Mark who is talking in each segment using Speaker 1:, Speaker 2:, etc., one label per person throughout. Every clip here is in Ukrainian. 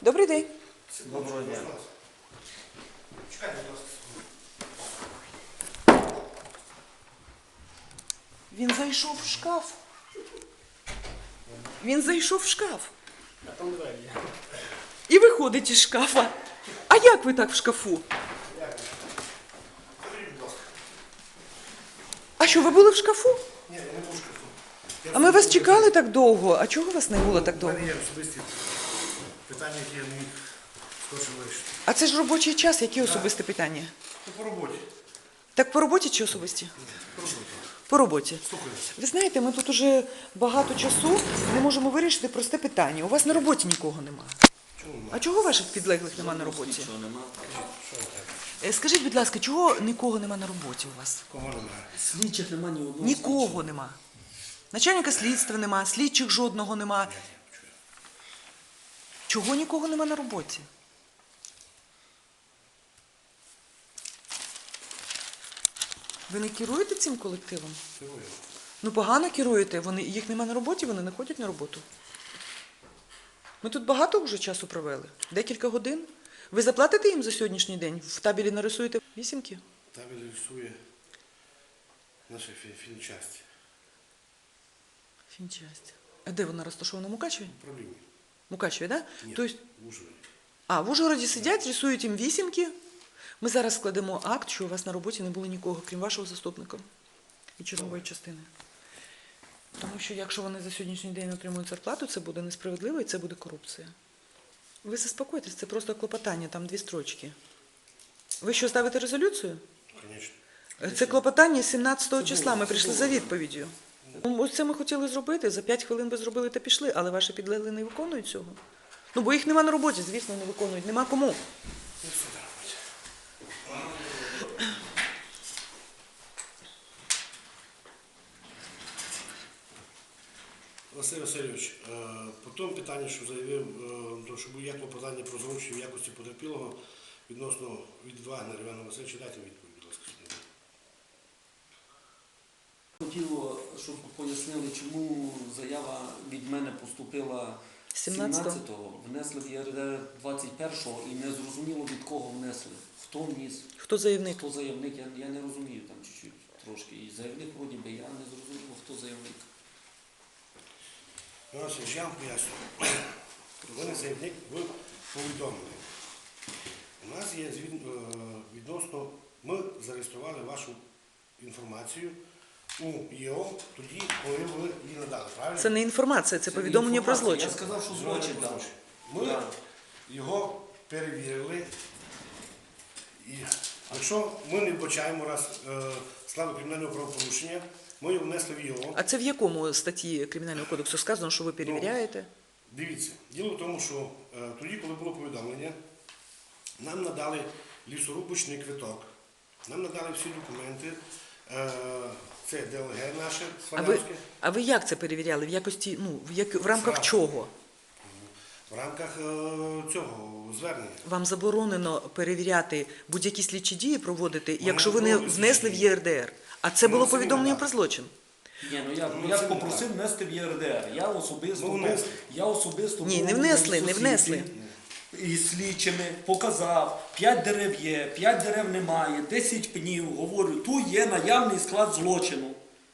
Speaker 1: Добрий день.
Speaker 2: Доброго дня.
Speaker 3: Чекайте, будь ласка.
Speaker 1: Він зайшов в шкаф. Він зайшов в шкаф.
Speaker 2: А там двері є.
Speaker 1: І виходить із шкафа. А як ви так в шкафу?
Speaker 3: Заберіть, будь ласка.
Speaker 1: А що, ви були в шкафу?
Speaker 3: Ні, я не можу шкафу.
Speaker 1: А ми вас чекали так довго. А чого вас не було так
Speaker 3: У
Speaker 1: довго?
Speaker 3: мене є особисті питання, які я не міг скорше вирішити.
Speaker 1: А це ж робочий час, які особисті питання?
Speaker 3: Ну, по роботі.
Speaker 1: Так по роботі чи особисті?
Speaker 3: По роботі.
Speaker 1: По роботі.
Speaker 3: Слухаю.
Speaker 1: Ви знаєте, ми тут уже багато часу не можемо вирішити просте питання. У вас на роботі нікого немає.
Speaker 3: Чому немає?
Speaker 1: А чого ваших підлеглих немає на роботі?
Speaker 3: Що ви так?
Speaker 1: Скажіть, будь ласка, чого нікого немає на роботі у вас?
Speaker 3: Кого немає?
Speaker 2: Слідчих нема ні одного.
Speaker 1: Нікого нема. Начальника слідства нема, слідчих жодного нема. Чого нікого нема на роботі? Ви не керуєте цим колективом?
Speaker 3: Керую.
Speaker 1: Ну погано керуєте, їх нема на роботі, вони не ходять на роботу. Ми тут багато вже часу провели, декілька годин. Ви заплатите їм за сьогоднішній день? В табелі нарисуєте вісімки?
Speaker 3: Табель рисує наша фінчасть.
Speaker 1: Фінчасть. А де вона розташована? В Мукачеві?
Speaker 3: Управління.
Speaker 1: Мукачеві, так?
Speaker 3: Ні,
Speaker 1: Тобто,
Speaker 3: в Ужгороді.
Speaker 1: в Ужгороді сидять, рисують їм вісімки. Ми зараз складемо акт, що у вас на роботі не було нікого, крім вашого заступника і чергової частини. Тому що якщо вони за сьогоднішній день отримують зарплату, це буде несправедливо і це буде корупція. Ви заспокойтесь, це просто клопотання, там 2 строчки. Ви що, ставите резолюцію?
Speaker 3: Звісно.
Speaker 1: Це клопотання 17 числа, ми прийшли за відповіддю. Ось це ми хотіли зробити, за 5 хвилин ви зробили та пішли, але ваші підлеглі не виконують цього. Ну, бо їх нема на роботі, звісно, не виконують, нема кому.
Speaker 3: Ну, все на роботі. Василь Васильович, по тому питанню, що заявив, що є клопотання про зручення в якості потерпілого відносно від Вагнера Івана Васильовича, дайте відповідь, будь ласка.
Speaker 2: Хотіло, щоб пояснили, чому заява від мене поступила
Speaker 1: 17-го.
Speaker 2: 17-го, внесли в ЄРДР 21-го і не зрозуміло, від кого внесли. Хто вніс,
Speaker 1: Хто заявник?
Speaker 2: хто заявник, я не розумію там чуть-чуть трошки. І заявник вроді би, я не зрозумів, хто заявник.
Speaker 3: Я вам поясню. Ви не заявник, ви повідомили. У нас є відносно, ми зареєстрували вашу інформацію у ЄО тоді, коли ви її надали, правильно?
Speaker 1: Це не інформація, це повідомлення про
Speaker 2: інформація.
Speaker 1: злочин.
Speaker 2: Я сказав, що злочин дав.
Speaker 3: Ми його перевірили. І якщо ми не вбачаємо раз складу кримінального правопорушення, ми його внесли в ЄО.
Speaker 1: А це в якому статті Кримінального кодексу сказано, що ви перевіряєте?
Speaker 3: Дивіться, діло в тому, що тоді, коли було повідомлення, нам надали лісорубочний квиток, нам надали всі документи, це ДЛГ наше, Славянське.
Speaker 1: А ви як це перевіряли? В якості, в рамках чого?
Speaker 3: В рамках цього звернення.
Speaker 1: Вам заборонено перевіряти будь-які слідчі дії проводити, якщо ви не внесли в ЄРДР. А це було повідомлення про злочин.
Speaker 2: Ні, я ж попросив внести в ЄРДР. Я особисто
Speaker 1: Ні, не внесли, не внесли.
Speaker 2: І слідчими показав, 5 дерев є, 5 дерев немає, 10 пнів, говорю, тут є наявний склад злочину.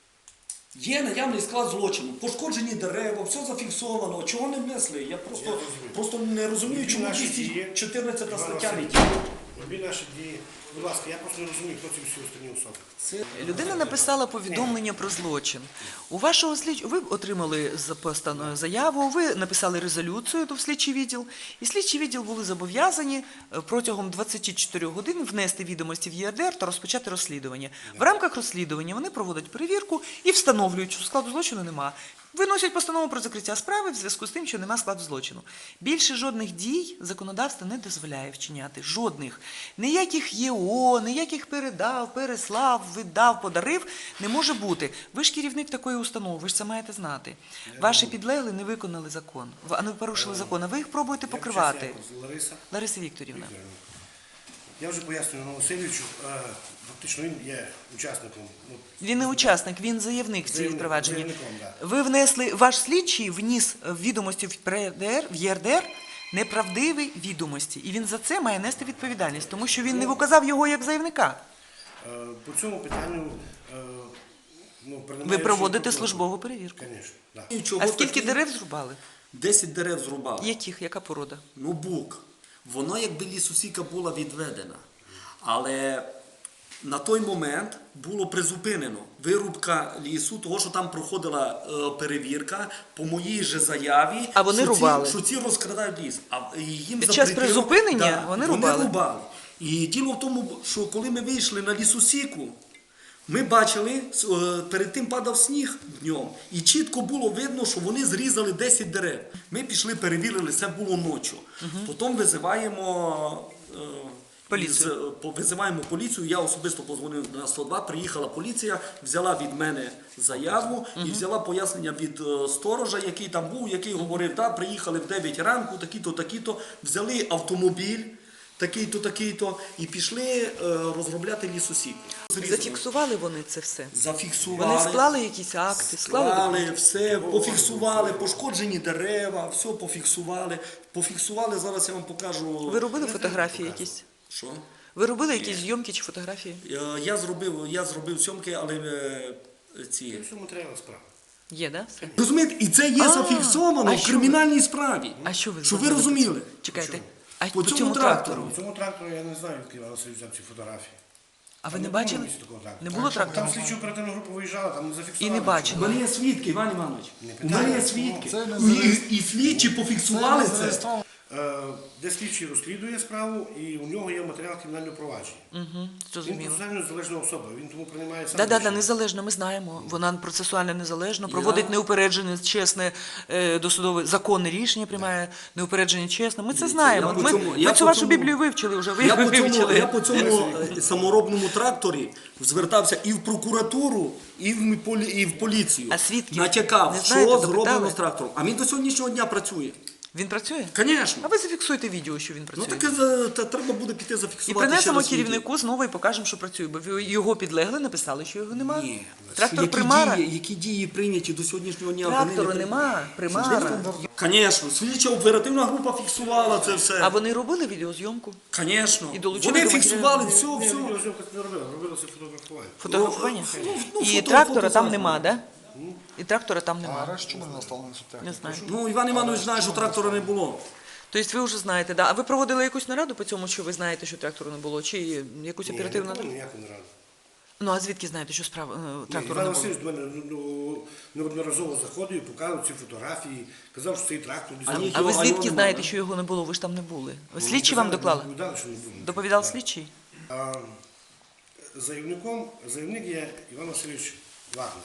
Speaker 2: Є наявний склад злочину, пошкоджені дерева, все зафіксовано. Чого не внесли? Я просто не розумію, чому 214 стаття не діє.
Speaker 3: Любі наші дії. Будь ласка, я просто не розумію, хто ці всі останні особи.
Speaker 1: Людина написала повідомлення про злочин. У вашого ви отримали заяву, ви написали резолюцію в слідчий відділ, і слідчий відділ були зобов'язані протягом 24 годин внести відомості в ЄРДР та розпочати розслідування. В рамках розслідування вони проводять перевірку і встановлюють, що складу злочину нема. Виносять постанову про закриття справи в зв'язку з тим, що нема складу злочину. Більше жодних дій законодавство не дозволяє вчиняти. Жодних. Ніяких ЄО, ніяких передав, переслав, віддав, подарив не може бути. Ви ж керівник такої установи, ви ж це маєте знати. Ваші підлеглі не виконали закон, а не порушили закон, а ви їх пробуєте покривати. Лариса Вікторівна.
Speaker 3: Я вже пояснюю Івану Васильовичу, фактично він є учасником.
Speaker 1: Він не учасник, він заявник в цій провадженні.
Speaker 3: Заявником, да.
Speaker 1: Ви внесли, ваш слідчий вніс відомості в ЄРДР неправдиві відомості. І він за це має нести відповідальність, тому що він не вказав його як заявника.
Speaker 3: По цьому питанню
Speaker 1: Ви проводите службову перевірку.
Speaker 3: Звісно, так.
Speaker 2: І чого
Speaker 1: А скільки
Speaker 2: такі?
Speaker 1: дерев зрубали?
Speaker 2: 10 дерев зрубали.
Speaker 1: Яких? Яка порода?
Speaker 2: Ну, бук. Воно якби лісосіка була відведена. Але на той момент було призупинено вирубка лісу, того, що там проходила перевірка по моїй же заяві,
Speaker 1: А вони
Speaker 2: що
Speaker 1: рубали?
Speaker 2: що ці розкрадають ліс. А їм
Speaker 1: Під час
Speaker 2: запретило-
Speaker 1: призупинення вони рубали?
Speaker 2: І діло в тому, що коли ми вийшли на лісосіку, ми бачили, перед тим падав сніг днем, і чітко було видно, що вони зрізали 10 дерев. Ми пішли, перевірили, це було ночі. Потім визиваємо
Speaker 1: Поліцію.
Speaker 2: визиваємо поліцію, я особисто позвонив на 102, приїхала поліція, взяла від мене заяву і взяла пояснення від сторожа, який там був, який говорив, да, приїхали в 9 ранку, такі-то, такі-то, взяли автомобіль, такий-то, такий-то, і пішли розробляти лісосіку.
Speaker 1: Зафіксували вони це все?
Speaker 2: Зафіксували.
Speaker 1: Вони склали якісь акти, склали документи?
Speaker 2: Все, пофіксували, пошкоджені дерева, все пофіксували. Пофіксували, зараз я вам покажу.
Speaker 1: Ви робили фотографії якісь?
Speaker 2: Що?
Speaker 1: Ви робили якісь зйомки чи фотографії?
Speaker 2: Я зробив зйомки, але ці.
Speaker 3: Це матеріал справи.
Speaker 1: Є, да? Все?
Speaker 2: Розумієте, і це є зафіксовано
Speaker 1: а
Speaker 2: в
Speaker 1: що
Speaker 2: кримінальній справі.
Speaker 1: А що ви
Speaker 2: Щоб ви
Speaker 1: зробили?
Speaker 2: розуміли.
Speaker 1: Чекайте. А
Speaker 2: По
Speaker 1: по
Speaker 2: цьому
Speaker 1: цьому
Speaker 2: трактору?
Speaker 1: трактору?
Speaker 3: У цьому трактору я не знаю, який Іван Васильович взяв ці фотографії.
Speaker 1: А ви
Speaker 3: Там
Speaker 1: не
Speaker 3: було
Speaker 1: бачили?
Speaker 3: місця такого трактора.
Speaker 1: Не було трактору?
Speaker 3: Там слідчо оперативна група виїжджала, там не зафіксували.
Speaker 1: І не бачили?
Speaker 2: У мене є свідки, Іван Іванович. У
Speaker 3: питаю.
Speaker 2: мене є свідки.
Speaker 4: Це не
Speaker 2: І слідчі пофіксували це.
Speaker 4: зареєстровано.
Speaker 3: Де слідчий розслідує справу, і у нього є матеріал кримінального провадження.
Speaker 1: Угу,
Speaker 3: Він
Speaker 1: зрозуміло.
Speaker 3: процесуально незалежна особа, він тому приймає сам
Speaker 1: Да,
Speaker 3: рішення.
Speaker 1: незалежно, ми знаємо. Вона процесуально незалежно, проводить неупереджене, чесне, досудове, законне рішення, приймає неупереджене, чесне. Ми це знаємо.
Speaker 2: я по
Speaker 1: Ми,
Speaker 2: цьому-
Speaker 1: ми
Speaker 2: я
Speaker 1: цю
Speaker 2: по
Speaker 1: вашу
Speaker 2: цьому-
Speaker 1: Біблію вивчили вже, ви
Speaker 2: Я по
Speaker 1: вивчили.
Speaker 2: цьому саморобному тракторі звертався і в прокуратуру, і в поліцію.
Speaker 1: А свідків
Speaker 2: натякав,
Speaker 1: не
Speaker 2: що
Speaker 1: знаєте,
Speaker 2: зроблено
Speaker 1: допитали?
Speaker 2: з трактором. А він до сьогоднішнього дня працює.
Speaker 1: Він працює?
Speaker 2: Звісно.
Speaker 1: А ви зафіксуєте відео, що він
Speaker 2: Ну
Speaker 1: працює.
Speaker 2: таке треба буде піти
Speaker 1: І
Speaker 2: зафіксувати.
Speaker 1: принесемо
Speaker 2: ще раз відео.
Speaker 1: керівнику знову і покажемо, що працює. Бо ви його підлегли, написали, що його немає.
Speaker 2: Ні.
Speaker 1: Трактор примара.
Speaker 2: Які дії прийняті до сьогоднішнього дня?
Speaker 1: Трактору
Speaker 2: вони не
Speaker 1: нема, примара.
Speaker 2: Звісно, слідча оперативна група фіксувала це все.
Speaker 1: А вони робили відеозйомку?
Speaker 2: Звісно.
Speaker 1: І долучили
Speaker 2: Вони
Speaker 1: до
Speaker 2: фіксували
Speaker 1: матеріалів?
Speaker 2: все,
Speaker 3: Ні,
Speaker 2: все.
Speaker 3: відеозйомка не робила, робилося фотографування.
Speaker 1: Фотографування?
Speaker 2: Ну,
Speaker 1: І
Speaker 2: фото-
Speaker 1: трактора там
Speaker 2: фото-
Speaker 1: нема, да? І трактора там
Speaker 4: А
Speaker 1: нема.
Speaker 4: решта чому не настало на суттях?
Speaker 1: Не знаю.
Speaker 2: Ну, Іван Іванович знає, що трактора не було.
Speaker 1: Тобто ви вже знаєте, да? А ви проводили якусь нараду по цьому, що ви знаєте, що трактору не було? Чи якусь
Speaker 3: Ні,
Speaker 1: оперативну
Speaker 3: я не
Speaker 1: нараду?
Speaker 3: помню ніяку нараду.
Speaker 1: Ну, а звідки знаєте, що справа трактору
Speaker 3: Іван
Speaker 1: не було?
Speaker 3: Васильович до мене неодноразово заходив, показував ці фотографії, казав, що цей трактор десь там.
Speaker 1: А ви звідки
Speaker 2: нема,
Speaker 1: знаєте,
Speaker 2: да?
Speaker 1: що його не було? Ви ж там не були. Слідчі вам доклали?
Speaker 3: Доповідали, що не було.
Speaker 1: Доповідав
Speaker 3: Так.
Speaker 1: слідчий?
Speaker 3: А заявник є Іван Васильович Вагнер.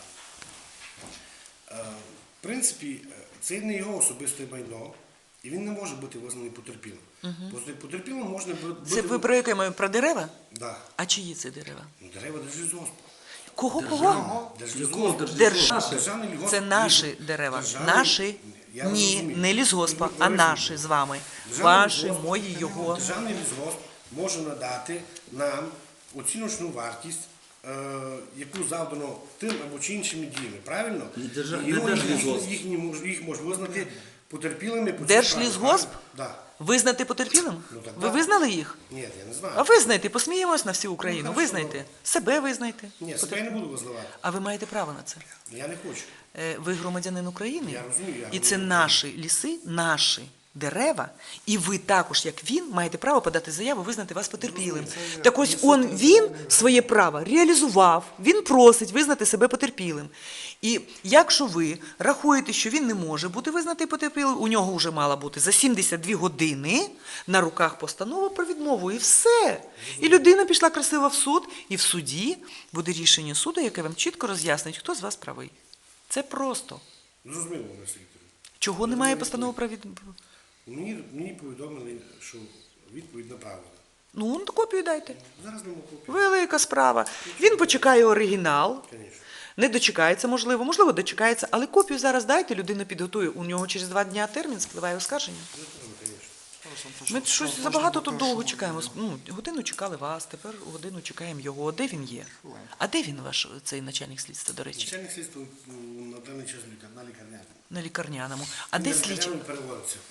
Speaker 3: В принципі, це не його особисте майно, і він не може бути визнаний потерпілим. Потерпілим можна бути...
Speaker 1: Це ви про яке маю? Про дерева?
Speaker 3: Да.
Speaker 1: А чиї це дерева?
Speaker 3: Ну, дерева Держлісгоспу.
Speaker 1: Кого?
Speaker 2: Якого
Speaker 3: Держлісгоспу.
Speaker 1: Держ-
Speaker 3: Державний
Speaker 1: Це
Speaker 3: лісгосп-
Speaker 1: наші дерева.
Speaker 3: Державний-
Speaker 1: Наші?
Speaker 3: Я
Speaker 1: Ні,
Speaker 3: розумію.
Speaker 1: не лісгоспа,
Speaker 3: Ви
Speaker 1: а
Speaker 3: розумієте.
Speaker 1: наші з вами.
Speaker 3: Державний
Speaker 1: Ваші,
Speaker 3: лісгосп-
Speaker 1: мої, його.
Speaker 3: Державний лісгосп може надати нам оціночну вартість, яку завдано тим або чи іншими діями. Правильно?
Speaker 2: Не
Speaker 3: І
Speaker 2: Держлісгосп.
Speaker 3: їх може визнати потерпілими по цій
Speaker 1: Держлісгосп?
Speaker 3: справі. Да.
Speaker 1: Визнати потерпілим?
Speaker 3: Ну, так,
Speaker 1: Ви
Speaker 3: так.
Speaker 1: визнали їх?
Speaker 3: Ні, я не знаю.
Speaker 1: А визнайте, посміємось на всю Україну.
Speaker 3: Ну, хорошо.
Speaker 1: Визнайте. Себе визнайте.
Speaker 3: Ні, себе я не буду визнавати.
Speaker 1: А ви маєте право на це.
Speaker 3: Я не хочу.
Speaker 1: Ви громадянин України,
Speaker 3: Я розумію, я
Speaker 1: і це
Speaker 3: розумію.
Speaker 1: наші ліси, наші дерева, і ви також, як він, маєте право подати заяву, визнати вас потерпілим. Так ось він своє право реалізував, він просить визнати себе потерпілим. І якщо ви рахуєте, що він не може бути визнатий потерпілим, у нього вже мала бути за 72 години на руках постанова про відмову, і все. І людина пішла красиво в суд, і в суді буде рішення суду, яке вам чітко роз'яснить, хто з вас правий. Це просто.
Speaker 3: Зрозуміло, Олеся Вікторівна.
Speaker 1: Чого немає постанови про відмову?
Speaker 3: Мені повідомили, що відповідь направлена.
Speaker 1: Ну, копію дайте.
Speaker 3: Зараз не можу.
Speaker 1: Велика справа. Він почекає оригінал,
Speaker 3: Звісно.
Speaker 1: не дочекається, можливо, дочекається, але копію зараз дайте, людина підготує. У нього через 2 дні термін спливає оскарження. Ми щось забагато тут довго чекаємо. Ну, годину чекали вас, тепер годину чекаємо його. Де він є? А де він ваш, цей начальник слідства, до речі?
Speaker 3: Начальник слідства на даний час на лікарняному.
Speaker 1: На лікарняному. А де слідчий?
Speaker 3: Переводиться.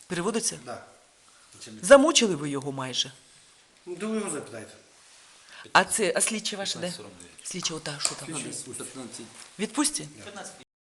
Speaker 1: Переводиться?
Speaker 3: Да.
Speaker 1: Замучили ви його майже.
Speaker 3: Ну, то ви його запитайте.
Speaker 1: А слідчі ваші де? Слідчі ота, що там? Відпустці?